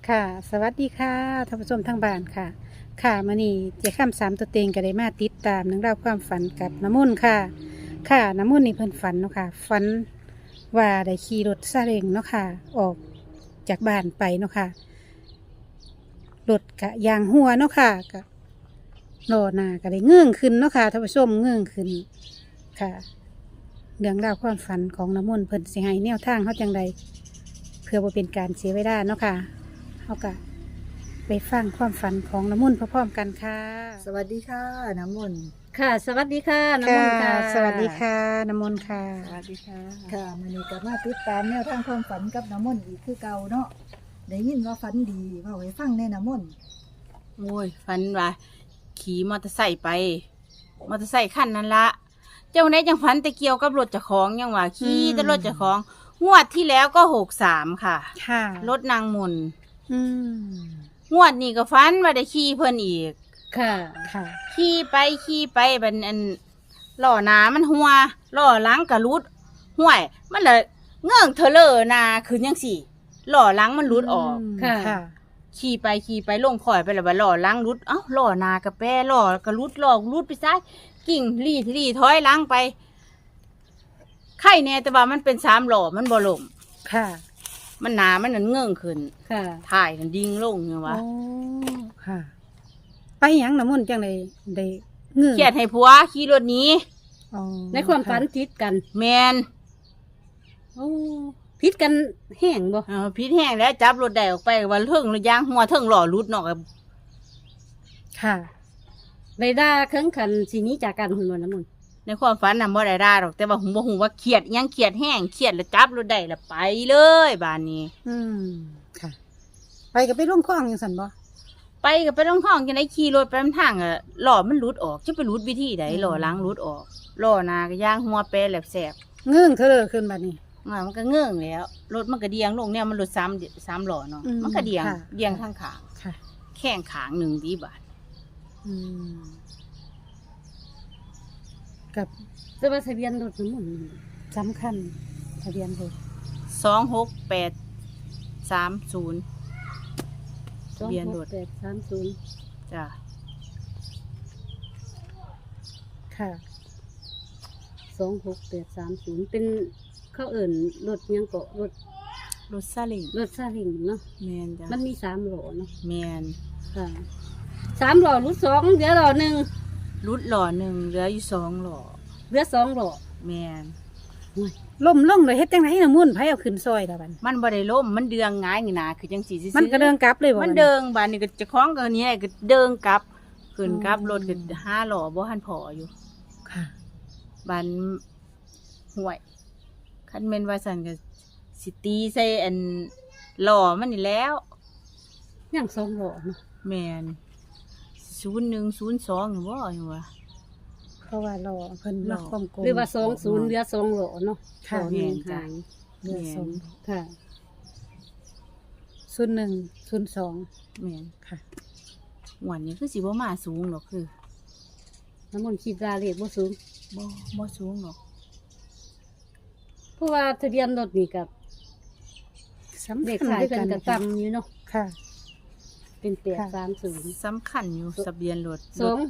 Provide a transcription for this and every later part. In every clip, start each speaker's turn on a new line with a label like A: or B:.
A: ค่ะ สวัสดีค่ะท่านผู้ชมทางบ้านค่ะ ค่ะมื้อนี้เจ้าค่ำสามตัวเต็งก็ได้มาติดตามเรื่องราวความฝันกับน้ำมนต์ค่ะ ค่ะน้ำมนต์นี่เพิ่นฝันเนาะค่ะฝันว่าได้ขี่รถซาเล้งเนาะค่ะ ออกจากบ้านไปเนาะค่ะรถกะยางหัวเนาะค่ะกะล้อหน้าก็ได้เงื่องขึ้นเนาะค่ะท่านผู้ชมเงื่องขึ้นค่ะ เรื่องราวความฝันของน้ำมนต์เพิ่นสิให้แนวทางเขาจังใดเพื่อบ่เป็นการเสียเวลาเนาะค่ะเขาก็ไปฟังความฝันของน้ำมนต์พร้อมๆกันค่ะ
B: สวัสดีค่ะน้ำมนต์
C: ค่ะ สวัสดีค่ะน้ำมนต์ค่ะ
A: สวัสดีค่ะน้ำมนต์ค่ะ
C: สวัสดีค่ะ
B: ค่ะมันนี้ก็มาติดตามแนวทางความฝันกับน้ำมนต์อีกคือเก่าเนาะได้ยินว่าฝันดีเว่าไว้ฟังแน่น้ำมนต์
C: โอ้ยฝันว่าขี่มอเตอร์ไซค์ไป มอเตอร์ไซค์คันนั้นละเจ้าไหนจังฝันแต่เกี่ยวกับรถเจ้าของยังว่าขี่แต่รถเจ้าของงวดที่แล้วก็63ค่ะ
A: ค่ะ
C: รถนางมน
A: อืม
C: งวดนี้ก็ฝันว่าได้ขี่เพิ่นอีก
A: ค่ะ ค่ะ
C: ขี่ไปบัดอันล้อหน้ามันหัวล้อหลังก็รุดห่วย มันเลยเงื่องเทเลอร์หนาคือจังซี่ล้อหลังมันรุดออก
A: ค่ะ ค่ะ
C: ขี่ไปลงคอยไปแล้วว่าล้อหล้างรุดเอ้าล้อหนากระแปรล้อกระรุดล้อรุดไปซ้ายกิ่งรี่ถอยหล้างไปไข่แน่แต่ว่ามันเป็น3ล้อมันบ่ล่ม
A: ค่ะ
C: มันหนามันนั่นเงื่องขึ้น
A: ค่ะ
C: ถ่ายนั่นดิ่งลงเนี่ยวะ
A: โอ้ค่ะ ไปหยังน้ำมนต์จังเลยได้เงื่อน
C: เครียดให้ผัวขี่รถหนี้
A: อ๋อ
D: ในความฝัน
A: ค่ะ
D: ผิดกัน
C: แมน
D: โอ้ผิดกันแห้งบ่
C: พิษแห้งแล้วจับรถได้ออกไปว่าเทิงรถยางหัวเทิงล้อรุดเนาะ
A: ค่ะ
D: ได้ด่าเครื่องขันสีนี้จากกันหุ่นวันน้ำมันต์
C: ในความฝันน่ะบ่ได้ด่าหรอกแต่ว่าหูบ่ฮู้ว่าเครียดอิหยังเครียดแห้งเครียดแล้วจับรถได้แล้วไปเลยบ้านนี้
A: อืม ค่ะ ไปกับไปร่วมคล้องยังสันบ่
C: ไปกับไปต้องห้องจังได๋ขี่รถไปนำทางอ่ะล้อมันหลุดออกจะไปหลุดวิธีใดล้อหลังหลุดออกล้อหน้าก็ย่างหัวแปรแหลบแสบ
A: เงื่อนเธอเลยขึ้นบัดนี้
C: มันก็เงื่องแล้วรถมันก็เดียงลงเนี่ยมันรถ3ล้อเนาะ
A: อืม
C: มันก็เดียง
A: ค่ะ
C: เดียงข้างขาง
A: ค่ะ
C: แข้งขางหนึ่งดีบาท
A: อืม กับ
D: แต่ว่าทะเบียนรถน้ำมันต์
A: สำคัญทะเบียนรถ
C: 26830 ทะเบียนรถ
D: 26830
C: จ้ะ
A: ค่ะ
D: 26830เป็นเขาเอิ่นรถยังเกาะรถ
C: รถซาเล้ง
D: รถซาเล้งเนาะ
C: แม่นจ้ะ
D: มันมี3ล้อเนาะ
C: แม่น
D: ค่ะ3ล้อรุด2เหลือล้อหนึง
C: รุดล้อหนึ่งเหลืออยู่2ล้อ
D: เหลือ2ล้อ
C: แม่น
A: ล่มลงเลยเฮ็ดจังไดน้ำมุ่นต์ไผเอาขึ้นซอยละบัด
C: มันบ่ได้ล้มมันเดืองหงายหนาคือจังซี่ซื่อๆ
A: มันก็เดินกลับเลยบ่
C: มัน
A: บั
C: เดิงบานนี้ก็เจะคล้าของกันนี้ก็เดิงกลับขึ้นกลับ
A: อืม
C: รถก็5ล้อบ่ทันพออยู่
A: ค่ะ
C: บานห่วยคันแม่นว่าซั่นก็สิตีใส่อันล้อมันนี่แล้ว
D: ยัง2ล้อเนาะ
C: แม่น0102นี่บ่อยู่ว่า
A: เพราะว่ารอเพิ่นล็อกความโกง
D: หรือว่า20เหลือ2ล้อเนาะ
A: ค่ะ
D: ล้อหนึ่งหาย
A: เรือสอง
D: ค่ะ
A: 0102
C: แม่น
A: ค่ะ
C: หวันนี้คือสิบ่มาสูงหรอกคือ
D: น้ำมันต์คิดว่าเลขบ่สูง
C: บ่สูงหรอก
D: เพราะว่าทะเบียนรถนี่กับ
A: สำ
D: เลข
A: คัญ
D: ขาย
A: ด้วย
D: กั
A: กัน น
D: กับต่ำอยู่เนาะ
A: ค่ะ
D: เป็น
A: ค่ะ
D: 830
C: สำคัญอยู่ทะเบียนรถ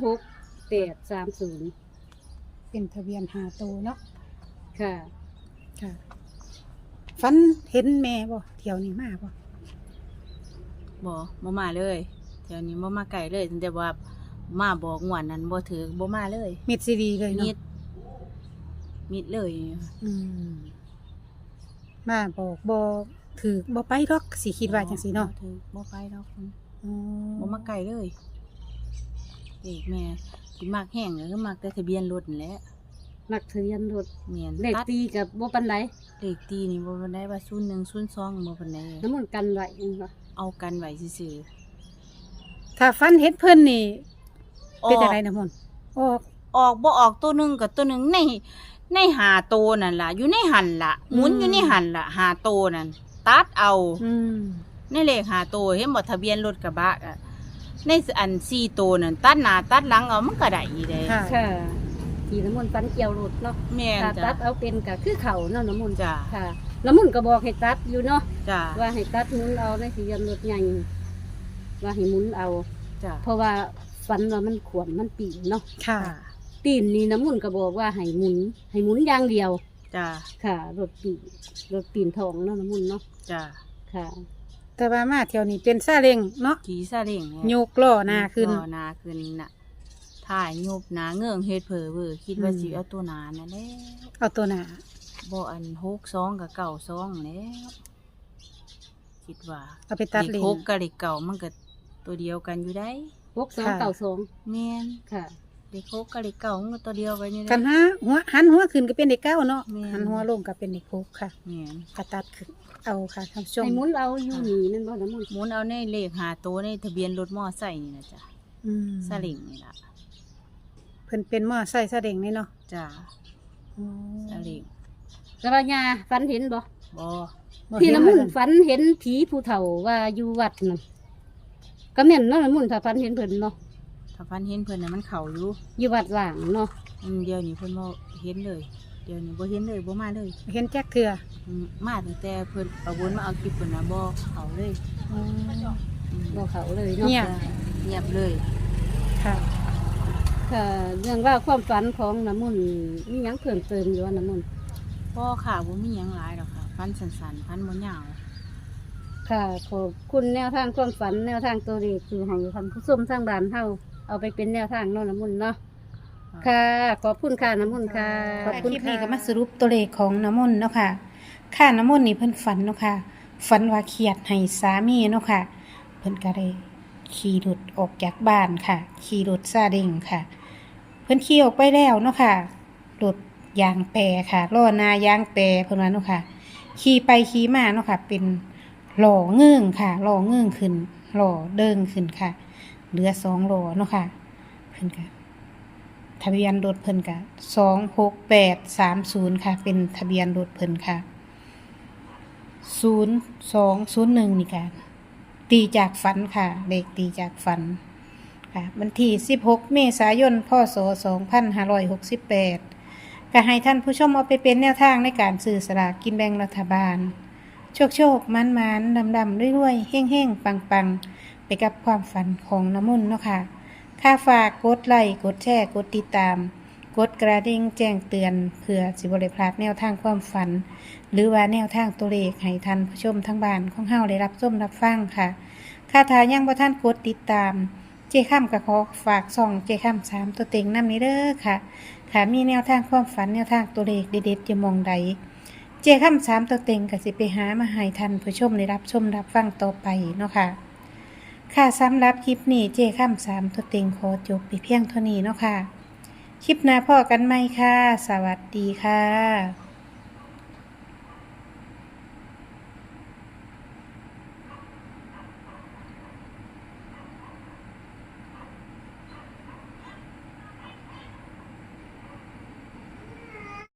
D: 26830
A: เป็นทะเบียนหาโตวเนาะ
D: ค่ะ
A: ค่ะฝันเห็นแม่บ่เที่ยวนี้มาบ่
C: บ่มาเลยแถวนี้บ่มาไกลเลยตั้งแต่ว่ามาบอกงวดนั้นบ่ถือบ่มาเลย
A: มิดซีดีเลย
C: มิ
A: เนาะ
C: ดมิดเลย
A: อืมมาบอกบ่ถือบ่ไปดอกสิคิดว่าจังซี่เนาะ
C: บ่ถือบ่ไปดอก
A: อ๋อ
C: บ่มาไกลเลยเด็กแม่ที่มักแห้งก็คือมักแต่ทะเบียนรถนั่นแหละ
D: มักทะเบียนรถ
C: แม่น
D: เลข
C: ตัด
D: ตีกับบ่ปานใด
C: เลขตีนี่บ่ปานใดว่า0102บ่ปานใด
D: น้ำมันต์กันไว้จังว่า
C: เอากันไว้ซื่อ
A: ถ้าฝันเห็นเพิ่นนี่
C: ๆ
A: เป็นจังไดนะมนต์ออก
C: ออกบ่ออกตัวหนึงกับตัวหนึงในหาโตวนั่นล่ะอยู่ในหันล่ะหมุนอยู่ในหันล่ะหาโตวนั่นตัดเอา
A: อืม
C: ในเลขหาโตวเห็นบ่ทะเบียนรถกระบะอะในอัน4โตวนั่นตัดหน้าตัดหลังเอามันก็ได้อีเด้
A: ค่ะ
D: ค่ะที่น้ำมันต์ฟันเกี่ยวรถเนาะ
C: แม่น
D: ถ้า
C: จ้ะ
D: ตัดเอาเป็นก็คือเขาเนาะน้ำมันต์
C: จ้ะ
D: ค่ะน้ำมุนก็บอกให้ตัดอยู่เนาะ
C: จ้า
D: ว่าให้ตัดหมุนเอาในทะเบียนรถใหญ่ว่าให้หมุนเอา
C: จ้า
D: เพราะว่าฝันว่ามันขวนมันปีนเนาะ
A: ค่ะ
D: ปีนนี่น้ำมุนก็บอกว่าให้หมุนอย่างเดียว
C: จ้า
D: ค่ะ รถปีนทองเนาะน้ำมุนเนาะ
C: จ้า
D: ค่ะ
A: แต่ว่ามาเที่ยวนี้เป็นซาเล้งเนาะ
C: ขี่ซาเล้งเนี่ย
A: โยกล้อหน้าขึ้น
C: ล้อหนาขึ้นน่ะถ่ายยุบหนาเงื่องเฮ็ดเผลอเว้อคิดว่า
A: อืม
C: สิเอาตัวหนานั่นแหละ
A: เอาตัวหน้า
C: บ่อัน62กับ92แล้วคิดว่า
A: เอาไปตัดเล
C: เล
A: น
C: ข6กับเลขเก่ามันก็ตัวเดียวกันอยู่ได้
D: 6292
C: แม่น
D: ค่ะ
C: เลข6กับเลขเก่ามันก็ตัวเดียวกันอยู่ได้
A: กันหันหัวขึ้นก็เป็นเด็กเก้าเนาะ
C: แม่น
A: หันหัวลงก็เป็นเด็กหกค่ะ
C: แม่น
A: กระตัดขึ้นเอาค่ะท่านผู้ชม
D: ให้หมุนเอาอยู่นี่นั่นบ่น้ำมุน
C: หมุนเอาในเลข5ตัวในทะเบียนรถมอไซค์นี่นะจ้ะ
A: อืม
C: ซาเล้งนี่ล่ะ
A: เพิ่นเป็นมอไซค์ซาเล้งนี่เนาะ
C: จ้ะ
A: อ๋อ
C: ซาเล้ง
D: แต่ว่ายาฝันเห็นบ่
C: บ่
A: บ่
D: ที่
A: เห็
D: น้ำมุน
A: ว่า
D: ฝันเห็นผีผู้เฒ่าว่าอยู่วัดนั่นก็แม่นเนาะน้ำมุนถ้าฝันเห็นเพิ่นเนาะ
C: ถ้าฟันเห็นเพิ่นน่ะมันเข้าอยู่
D: อยู่วัดว่างเนาะ
C: เดี๋ยวนี้เพิ่นบ่เห็นเลย เดี๋ยวนี้บ่เห็นเลยบ่มาเลย
A: เห็นแจ๊กเถื่อ
C: มาตั้งแต่เพิ่นเอาวนมาเอาคลิปเพิ่นน่ะบ่เข้าเลย
A: อ๋อ
D: บ่เขาเลยเนาะ
A: เงียบ
C: เงียบเลย
A: ค่ะ
D: ค่ะเรื่องว่าความฝันของน้ำมุนมีหยังเพิ่มเติมอยู่ว่าน้ำมุน
C: บ่ค่ะบ่มีหยังหลายดอกค่ะฟันสั้นๆฟันบ่ยาว
D: ค่ะขอบคุณแนวทางความฝันแนวทางตัวเลขคือให้ท่านผู้ชมทางบ้านเฮาเอาไปเป็นแนวทางเนาะน้ำมุนเนาะค่ะ ขอบคุณค่ะน้ำมุนค่ะ
A: ขอบคุณคลิปนี้ก็มาสรุปตัวเลขของน้ำมนต์เนาะค่ะ ค่าน้ำมนต์นี่เพิ่นฝันเนาะค่ะ ฝันว่าเครียดให้สามีเนาะค่ะ เพิ่นก็เลยขี่รถออกจากบ้านค่ะ ขี่รถซาเล้งค่ะ เพิ่นขี่ออกไปแล้วเนาะค่ะ รถยางแปรค่ะ ล้อหน้ายางแปรเพิ่นว่าเนาะค่ะ ขี่ไปขี่มาเนาะค่ะ เป็นหล่อเงื่องค่ะหล่อเงื่องขึ้นหล่อเดิงขึ้นค่ะ เหลือ2หล่อเนาะค่ะ เพิ่นก็ทะเบียนรถเพิ่นก็26830ค่ะ เป็นทะเบียนรถเพิ่นค่ะ0201นี่ค่ะตีจากฝันค่ะเลขตีจากฝันค่ะวันที่16เมษายนพศ2568ก็ให้ท่านผู้ชมเอาไปเป็นแนวทางในการซื้อสลากกินแบ่งรัฐบาล โชคมันดำรวยเฮ่งปังไปกับความฝันของน้ำมนต์เนาะค่ะค่าฝากกดไลค์กดแชร์กดติดตาม กดกระดิ่งแจ้งเตือนเพื่อสิบ่ได้พลาดแนวทางความฝัน หรือว่าแนวทางตัวเลขให้ท่านผู้ชมทั้งบ้านของเฮาได้รับชมรับฟังค่ะค่าถ้ายังบ่ท่านกดติดตาม เจ้ข้ามก็ขอฝากส่องเจ้ข้าม3ตัวเต็งนำนี้เด้อค่ะค่ะมีแนวทางความฝันแนวทางตัวเลขเด็ดๆจะมองใด เจ้าคำ3ตัวเต็งก็สิไปหามาให้ท่านผู้ชมได้รับชมรับฟังต่อไปเนาะค่ะ ค่ะสำหรับคลิปนี้เจ้าคำ3ตัวเต็งขอจบไปเพียงเท่านี้เนาะค่ะ คลิปหน้าพ่อกันไหมค่ะ สวัสดีค่ะ